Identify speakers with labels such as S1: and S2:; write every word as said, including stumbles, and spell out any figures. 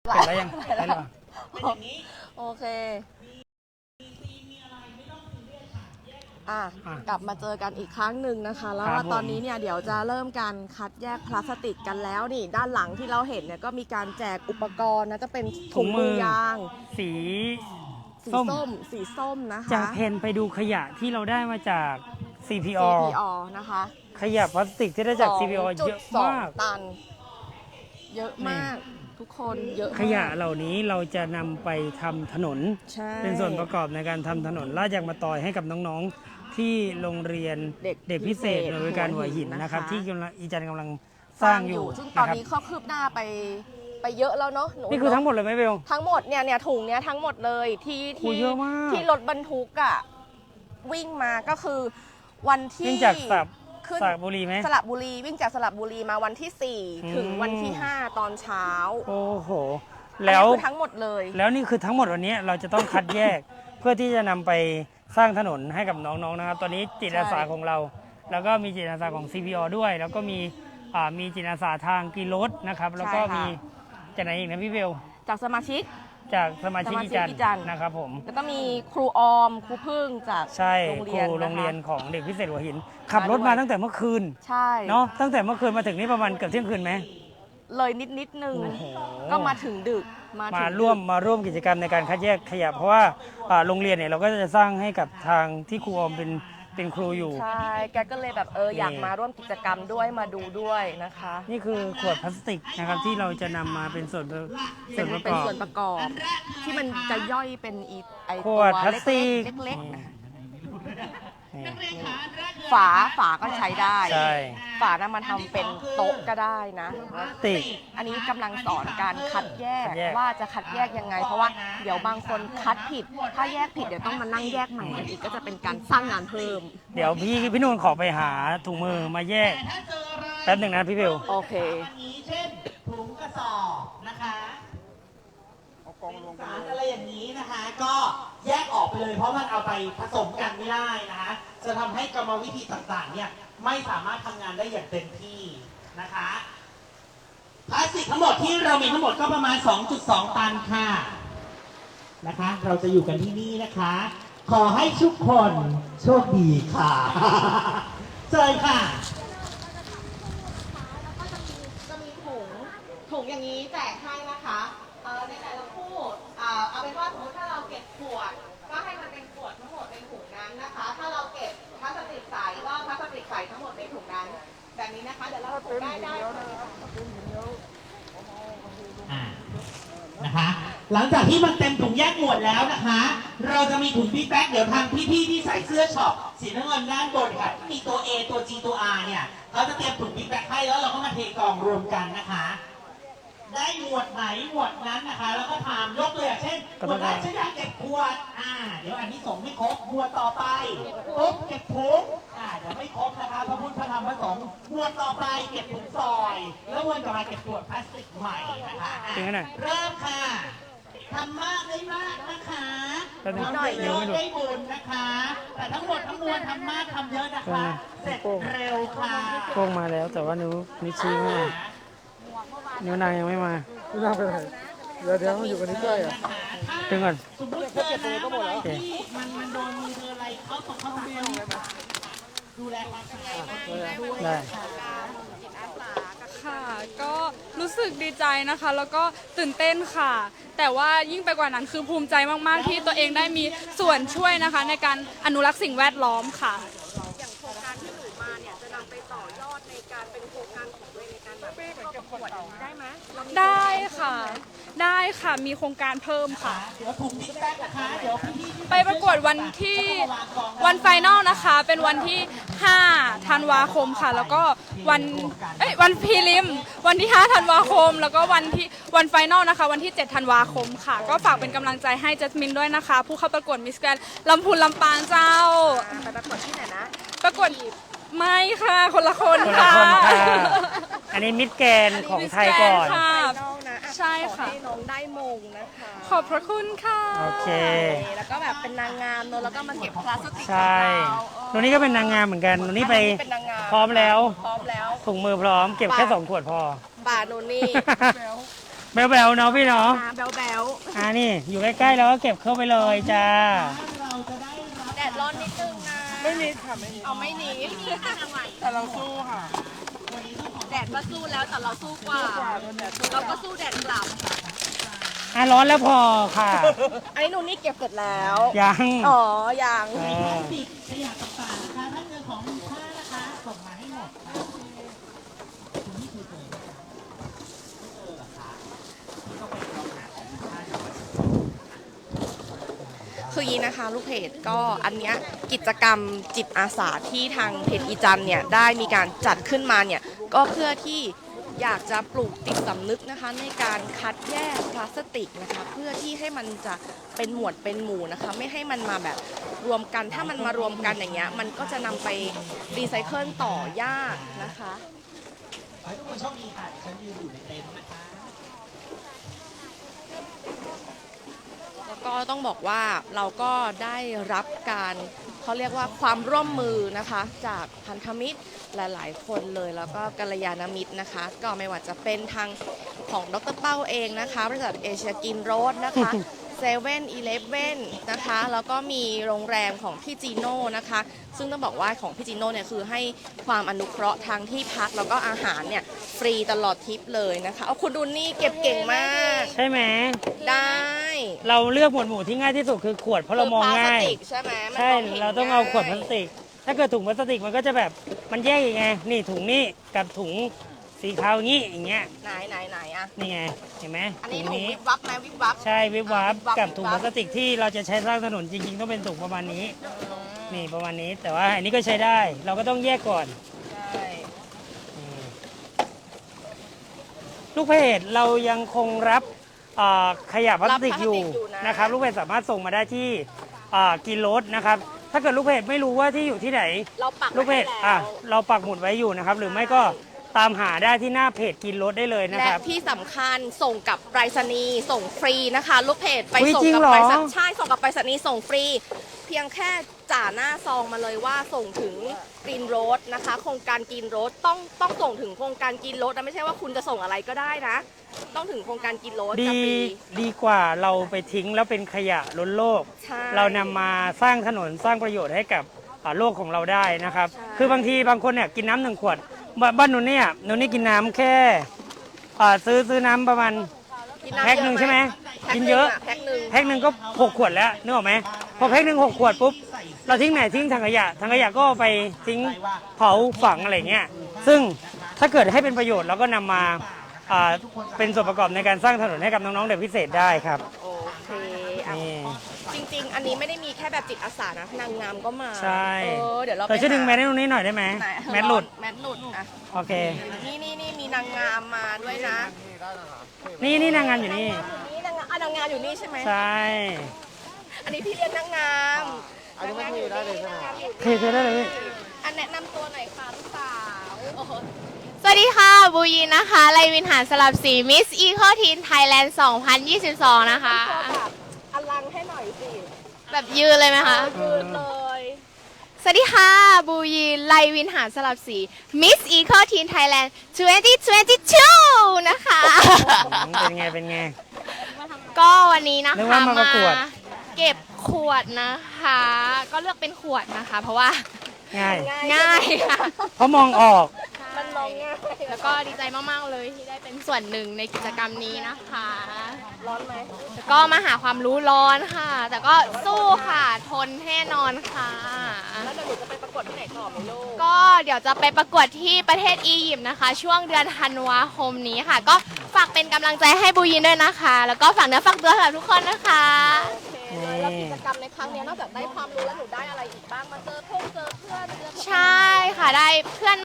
S1: เป็นอะไรยังเป็นอะไร
S2: โอเคอ่ะกลับมาเจอกันอีกครั้งหนึ่งนะคะแล้วว่าตอนนี้เนี่ยเดี๋ยวจะเริ่มการคัดแยกพลาสติกกันแล้วนี่ด้านหลังที่เราเห็นเนี่ยก็มีการแจกอุปกรณ์นะจะเป็นถุงมือยาง
S1: สี
S2: สีส้มสีส้มนะคะ
S1: จากเพนไปดูขยะที่เราได้มาจาก ซี พี อ
S2: ซี พี อ นะคะ
S1: ขยะพลาสติกที่ได้จาก ซี พี อ เยอะมาก
S2: ตันเยอะมากทุกคนเยอะ
S1: ขยะเหล่านี้เราจะนำไปทำถนนเป็นส่วนประกอบในการทำถนนลาดยางมะตอยให้กับน้องๆที่โรงเรียนเด็กพิเศษหน่วยบริการหัวหินนะครับที่กำลังอีจันกำลังสร้างอยู่
S2: ซึ่งตอนนี้เขาคืบหน้าไปไปเยอะแล้วเนาะ
S1: นี่คือทั้งหมดเลยไหมเบล
S2: ทั้งหมดเนี่ยเนี่ยถุงเนี้ยทั้งหมดเลยที่ที่ที่รถบรรทุกอ่ะวิ่งมาก็คือวันที่
S1: วิ่งจากสระบุรีไหม
S2: สระบุรีวิ่งจากสระบุรีมาวันที่สี่ถึงวันที่ห้าตอนเช้า
S1: โอ้โหแล้ว
S2: ทั้งหมดเลย
S1: แล้วนี่คือทั้งหมดวันนี้เราจะต้องคัดแยกเพื่อที่จะนำไปสร้างถนนให้กับน้องๆนะครับตอนนี้จิตอาสาของเราแล้วก็มีจิตอาสาของ ซี พี อ ด้วยแล้วก็มีมีจิตอาสาทางกีรถนะครับแล้วก็มีจากไหนอีกนะพี่เบล
S2: จากสมาชิก
S1: จากสมาชิกอีจันนะครับผม
S2: แล้วก็มีครูออมครูพึ่งจาก
S1: ใช่ครูโรงเรียนของเด็กพิเศษหัวหินขับรถมาตั้งแต่เมื่อคืน
S2: ใช่
S1: เนาะตั้งแต่เมื่อคืนมาถึงนี่ประมาณเกือบเที่ยงคืนไหม
S2: เลยนิดนิดนึงก็มาถึงดึก
S1: มาร่วมมาร่วมกิจกรรมในการคัดแยกขยะเพราะว่าโรงเรียนเนี่ยเราก็จะสร้างให้กับทางที่ครูออมเป็นเป็นครูอยู่
S2: ใช่แกก็เลยแบบเอออยากมาร่วมกิจกรรมด้วยมาดูด้วยนะคะ
S1: นี่คือขวดพลาสติกนะครับที่เราจะนำมาเป็นส่วนส่วนประกอบ
S2: เป็นส่วนประกอบที่มันจะย่อยเป็นอีไอ
S1: ขวดพลาสติก
S2: เล็กๆฝาฝาก็ใช้ได้ฝานั้นมาทำเป็นโต๊ะก็ได้นะ
S1: ติ
S2: อันนี้กำลังสอนการคัดแยกว่าจะคัดแยกยังไงเพราะว่าเดี๋ยวบางคนคัดผิดถ้าแยกผิดเดี๋ยวต้องมานั่งแยกใหม่อีกก็จะเป็นการสร้างงานเพิ่ม
S1: เดี๋ยวพี่พี่นุ่นขอไปหาถุงมือมาแยกแป๊บหนึ่งนะพี่เบล
S2: โอเค
S3: เช่นถุงกระสอบนะคะสารอะไรอย่างนี้นะคะก็แยกออกไปเลยเพราะมันเอาไปผสมกันไม่ได้นะคะจะทำให้กรรมวิธีต่างๆเนี่ยไม่สามารถทำงานได้อย่างเต็มที่นะคะพลาสติกทั้งหมดที่เรามีทั้งหมดก็ประมาณ สองจุดสอง ตันค่ะนะคะเราจะอยู่กันที่นี่นะคะขอให้ทุกคนโชคดีค่ะเชิญค่ะ
S2: แล้วก็จะมีจะมีถุงถุงอย่างนี้แจกให้นะคะในแต่ละคู่เอาเป็นว่าสมมติถ้าเราเก็บขวดก็ให้มันเป็นขวดทั้งหมดในถุงนั้นนะคะถ้าเราเก็บพลาสติกใสก็พลาสติกใสทั้งหมดในถุงนั้นแบบนี้นะคะเดี๋ยวเราถุงได้ได้
S3: นะคะหลังจากที่มันเต็มถุงแยกหมวดแล้วนะคะเราจะมีถุงบิ๊กแบ็คเดี๋ยวทางพี่ๆที่ใส่เสื้อช็อปสีน้ำเงินด้านบนค่ะที่มีตัว A ตัว G ตัว R เนี่ยเขาจะเตรียมถุงบิ๊กแบ็คให้แล้วเราก็มาเทกล่องรวมกันนะคะได้หมวดไหนหมวดนั้นนะคะแล้วก็ถามยกตัวอย่างเช่นหมวดแรกฉันอยากเก็บขวดอ่าเดี๋ยวอันนี้ส่งไม่ครบหมวดต่อไปปุ๊บเก็บถุงอ่าเดี๋ยวไม่ครบนะคะพระพุทธพระธรรมพระสงฆ์หมวดต่อไปเก็บถุงซอยแล้ววนต่อมาเก็บขวดพลาสติกใหม่นะคะเริ่มค่ะทำมากได้มากนะคะทำได้เยอะได้บุญนะคะแต่ทั้งหมดทั้งมวลทำมากทำเยอะนะคะเสร็จเร็วค่ะ
S1: โป้งมาแล้วแต่ว่านิ้วนิ้วชี้ไม่มานิ้วนางยังไม่มา
S4: นิ้วนางไปไหนเดี๋ยวเดี๋ยวมันอยู่กันนี้ใกล้อ่ะ
S1: ถึงก่อน
S3: สมมติเก็บตัวก็หมดแล้วมันมันโดนมือเธออะไรเขาตกเขาเบี้ยวดูแลความสะอาดด้วย
S1: ได้
S5: ค่ะก็รู้สึกดีใจนะคะแล้วก็ตื่นเต้นค่ะแต่ว่ายิ่งไปกว่านั้นคือภูมิใจมากๆที่ตัวเองได้มีส่วนช่วยนะคะในการอนุรักษ์สิ่งแวดล้อมค่ะ
S2: อย่างโครงการที่หนูมาเนี่ยจะนำไปต่อยอดในการเป็นโครงการของตัวเองในการแบบเข้าประกวดได้ไหม
S5: ได้ค่ะได้ค่ะมีโครงการเพิ่มค่ะไปประกวดวันที่วันไฟนอลนะคะเป็นวันที่ห้าธันวาคมค่ะแล้วก็วันเอ้ยวันพรีลิมวันที่ห้าธันวาคมแล้วก็วันที่วันไฟนอลนะคะวันที่เจ็ดธันวาคมค่ะก็ฝากเป็นกำลังใจให้จัสมินด้วยนะคะผู้เข้าประกวดมิสแกรนด์ลำพูนลำปางเจ้า
S2: ไปประกวดที่ไหนนะ
S5: ประกวดไม่ค่ะคนละคนค่ะ
S1: อันนี้มิสแกรนด์ของไทยก่อน
S5: ใช่ค่ะ
S2: น้องได้มงนะคะ
S5: ขอบพระคุณค่ะ
S1: โอเค
S2: แล้วก็แบบเป็นนางงามเนอะแล้วก็มาเก็บพลาสติก
S1: ใช่หนูนี่ก็เป็นนางงามเหมือนกันหนูนี่ไปพร้อมแล้ว
S2: พร้อมแล้ว
S1: ถุงมือพร้อมเก็บแค่สองขวดพอ
S2: ป่าหนูนี่
S1: แบวๆเนาะพี่เนาะ
S2: แบลแบล
S1: อ่านี่อยู่ใกล้ๆแล้วก็เก็บเข้าไปเลยจ้า
S3: เราจะได้รับ
S2: แดดร้อนนิดนึงนะ
S4: ไม่นิดค่ะไม่นิด
S2: เอาไม่หนี
S4: แต่เราสู้ค่ะ
S2: แดดก็สู้แล้วแต่เราสู้กว่า เราก็สู้แดดกลับ
S1: อ่ะร้อนแล้วพอค่ะ
S2: อันนี้หนูนี่เก็บเสร็จแล้ว
S1: ยัง
S2: อ๋อยัง
S1: เออ
S3: ปิดขยะต่างๆนะคะถ้าเงินของมีค่านะคะส่งมาให้หมดค่ะคุณนี่คือเจอไหมคะไม่เจอเหรอคะนี่ก็ไปลองหาของมีค่าจากวัด
S6: คืออย่างนี้นะคะลูกเพจก็อันเนี้ยกิจกรรมจิตอาสาที่ทางเพจอีจันเนี่ยได้มีการจัดขึ้นมาเนี่ยก็เพื่อที่อยากจะปลูกจิตสำนึกนะคะในการคัดแยกพลาสติกนะคะเพื่อที่ให้มันจะเป็นหมวดเป็นหมู่นะคะไม่ให้มันมาแบบรวมกันถ้ามันมารวมกันอย่างเงี้ยมันก็จะนำไปรีไซเคิลต่อยากนะคะ
S3: ขอให้ทุกคนโชคดีค่ะฉันยืนอยู่ในเต็นท์นะคะ
S6: แล้วก็ต้องบอกว่าเราก็ได้รับการเขาเรียกว่าความร่วมมือนะคะจากพันธมิตรหลาย ๆ คนเลยแล้วก็กัลยาณมิตรนะคะ ก็ไม่ว่าจะเป็นทางของดรเป้าเองนะคะบริษัทเอเชียกินโรดนะคะเซเว่นอีเลฟเว่นนะคะแล้วก็มีโรงแรมของพี่จีโน่นะคะซึ่งต้องบอกว่าของพี่จีโน่เนี่ยคือให้ความอนุเคราะห์ทางที่พักแล้วก็อาหารเนี่ยฟรีตลอดทริปเลยนะคะเอาคุณดูนี่เก็บเก่งมาก
S1: ใช่ไหม
S6: ได้
S1: เราเลือกหมวดหมู่ที่ง่ายที่สุดคือขวดเพราะเรามองง่าย
S6: คือพลสติกใช่ไหมมัน
S1: ใช่
S6: มห็น
S1: เราต้องเอาขวดพลา
S6: ง่ย
S1: สติก ถ้าเกิดถุงพลาสติกมันก็จะแบบมันแยกยังไง นี่ถุงนี้กับถุงสีขาวอย่างนี้อย่างเงี้ย
S6: ไหนไหนไหนอะ
S1: นี่ไง เห็นไหม
S6: อัน
S1: ถุ
S6: นี้
S1: ง
S6: ถุง
S1: นี้
S6: วิบวับไหมวิบวับ
S1: ใช่วิบวับ
S6: วิบวับ
S1: กับถุง
S6: วิ
S1: พ
S6: บวั
S1: ลา
S6: บ
S1: สติกที่เราจะใช้สร้างถนนจริงๆต้องเป็นถุงประมาณนี้ นี่ประมาณนี้ แต่ว่าอันนี้ก็ใช้ได้ เราก็ต้องแยกก่อน
S6: ใช่
S1: อืมลูกเพจเรายังคงรับเอ่อขยะพลาสติกอยู่นะครับลูกเพจสามารถส่งมาได้ที่เอ่อกินรถนะครับถ้าเกิดลูกเพจไม่รู้ว่าที่อยู่ที่ไหน
S6: เราปัก
S1: ลูกเพจ
S6: ไว้ให้
S1: อ่ะ
S6: แล้ว
S1: เราปักหมุดไว้อยู่นะครับ หรือไม่ก็ตามหาได้ที่หน้าเพจกินรถได้เลยนะ
S6: และ
S1: ครับ
S6: ที่สำคัญส่งกับไปรษณีย์ส่งฟรีนะคะ ลูกเพจไป
S1: อุ๊ย
S6: ส่ง
S1: จริง
S6: กั
S1: เหรอ
S6: ไปรษณีย์ใช่ส่งกับไปรษณีย์ส่งฟรี เพียงแค่จ่าหน้าซองมาเลยว่าส่งถึงกรีนโรดนะคะ โครงการกรีนโรดต้องต้องส่งถึงโครงการกรีนโรดนะไม่ใช่ว่าคุณจะส่งอะไรก็ได้นะ ต้องถึงโครงการกรีนโรด
S1: ดี
S6: จะฟรี
S1: ดีกว่าเราไปทิ้งแล้วเป็นขยะล้นโลก
S6: ใช่
S1: เรานำมาสร้างถนนสร้างประโยชน์ให้กับอ่าโลกของเราได้นะครับ
S6: ใช่
S1: คือบางทีบางคนเนี่ยกินน้ำหนึ่งขวดบ้านบ้านหนูเนี่ยหนูนี่กินน้ำแค่อ่าซื้อซื้อน้ำประมาณ
S6: กินน้ำ
S1: แพ็คหนึ่งใช่ไหม
S6: แพ็ค
S1: กิน
S6: ห
S1: เยอะ
S6: แพ็คหนึ่ง
S1: แพ็คหนึ่งก็หกขวดแล้วนึกออกไหมพอแพ็คหนึ่งหกขวดปุ๊บเราทิ้งไหนทิ้งถังขยะถังขยะก็เอาไปทิ้งเผาฝังอะไรเงี้ยซึ่งถ้าเกิดให้เป็นประโยชน์เราก็นำมาอ่าเป็นส่วนประกอบในการสร้างถนนให้กับน้องๆเด็กพิเศษได้ครับ
S6: โอเคอ่ะ
S1: นี่
S6: จริง ๆ อันนี้ไม่ได้มีแค่แบบจิตอาสานะนางงามก็มา
S1: ใช่
S6: เออเดี๋ยวเรา
S1: แต่ช่วยดึงแม
S6: ไป
S1: สให้ตรงนี้หน่อยได้ไหม
S6: ไหน
S1: แมสหลุด
S6: แมสหลุดอ่ะ
S1: โอเค
S6: นี่นี่นี่มีนางงามมาด้วยนะ
S1: นี่นี่นางงามอยู่นี่
S6: นี่นางงามอ่ะนางงามอยู่นี่ใช่ไหม
S1: ใช่
S6: อันนี้พี่เลี้ยงนางงาม
S4: อันนี้มันมีได้เลยใช่ไหม
S6: นางงามอยู่
S1: เทเทได้เลยพี่
S6: อันแนะนำตัวหน่อยค่ะลูกสาวโอ้โห
S7: สวัสดีค่ะ บูยินนะคะไลวินหารสลับสีมิสอีโคทีนไทยแลนด์สองพันยี่สิบสองนะคะ
S6: ตัวแบบอลังให้หน่อยสิ
S7: แบบยืนเลยไหมคะ
S6: ยืนเลย
S7: สวัสดีค่ะ บูยินไลวินหารสลับสีมิสอีโคทีนไทยแลนด์สองพันยี่สิบสองนะคะ
S1: อืมเป็นไง เป็นไง
S7: ก็วันนี้นะ
S1: นึก
S7: คะ
S1: ว่ามาประกวด
S7: เก็บขวดนะคะ ก็เลือกเป็นขวดนะคะ เพราะว่า
S1: ง่าย
S7: ง่ายค่ะ
S1: เพราะมองออก
S6: มันมองง่าย
S7: แล้วก็ดีใจมาก ๆ เลยที่ได้เป็นส่วนหนึ่งในกิจกรรมนี้นะคะ
S6: ร้อนไหม
S7: แล้วก็มาหาความรู้ร้อนค่ะ แต่ก็สู้ค่ะ ทนแน่นอนค่ะ
S6: แล้วเดี๋ยวหนูจะไปประกวดที่ไหนต่อไหมลูก
S7: ก็เดี๋ยวจะไปประกวดที่ประเทศอียิปต์นะคะ ช่วงเดือนธันวาคมนี้ค่ะ ก็ฝากเป็นกำลังใจให้บูยินด้วยนะคะ แล้วก็ฝากเนื้อฝากตัวสำหรับทุกคนนะคะ
S6: โอเคเลยแล้วกิจกรรมในครั้งเนี้ยนอกจากได้ความรู้แล้วหนูได้อะไรอีกบ้าง มาเจอเพื่อนเจอเพื่อนเจอ
S7: ใช่ค่ะได้เพื่อน